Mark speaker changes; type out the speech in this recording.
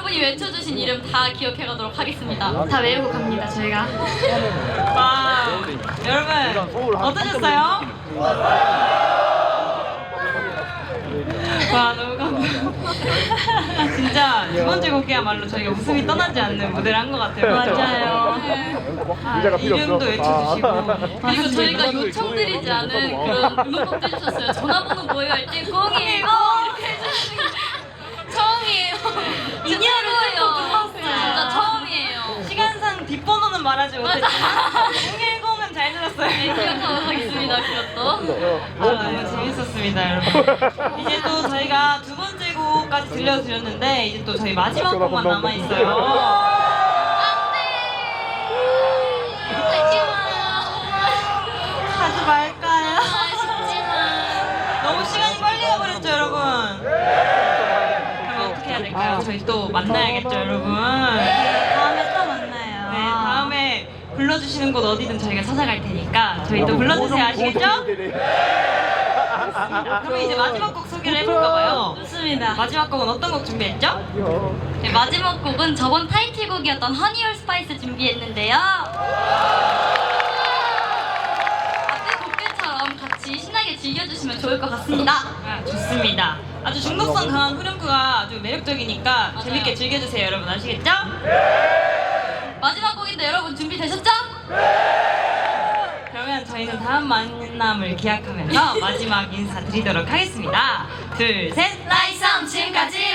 Speaker 1: 여러분이 외쳐주신 이름 다 기억해가도록 하겠습니다. 다 외우고 갑니다, 저희가.
Speaker 2: 와, 여러분 어떠셨어요? 와, 너무 감동. 진짜 두 번째 곡이야말로 저희가 웃음이 떠나지 않는 무대를 한 것 같아요.
Speaker 1: 맞아요.
Speaker 2: 이름도 외쳐주시고.
Speaker 1: 그리고 저희가 요청드리지 않은 그런 응원법도 해주셨어요. 전화번호 뭐예요? 할 때 010 이렇게 해주시는 게 처음이에요. 진짜 최고예요. 진짜 처음이에요.
Speaker 2: 시간상 뒷번호는 말하지 못했지만 010은 잘 들었어요.
Speaker 1: 네, 기억하도록 하겠습니다. 그것도.
Speaker 2: 너무 재밌었습니다, 여러분. 이제 또 저희가 두 번째 곡까지 들려드렸는데 이제 또 저희 마지막 곡만 남아있어요. 하지 말까요? 너무 시간이 빨리 가버렸죠, 여러분? 그럼 어떻게 해야 될까요? 저희 또 만나야겠죠, 여러분?
Speaker 3: 다음에 또 만나요.
Speaker 2: 네, 다음에 불러주시는 곳 어디든 저희가 찾아갈 테니까 저희 또 불러주세요, 아시겠죠? 그럼 이제 마지막 곡 소개를 해볼까봐요.
Speaker 1: 좋습니다.
Speaker 2: 마지막 곡은 어떤 곡 준비했죠?
Speaker 1: 네, 마지막 곡은 저번 타이틀곡이었던 허니 올 스파이스 준비했는데요. 앞에 곡들처럼 같이 신나게 즐겨주시면 좋을 것 같습니다.
Speaker 2: 좋습니다. 아주 중독성 강한 후렴구가 아주 매력적이니까
Speaker 1: 맞아요.
Speaker 2: 재밌게 즐겨주세요, 여러분. 아시겠죠?
Speaker 1: 마지막 곡인데 여러분 준비되셨죠?
Speaker 2: 그러면 저희는 다음 만남을 기약하면서 마지막 인사 드리도록 하겠습니다. 둘, 셋!
Speaker 1: 나이썸 지금까지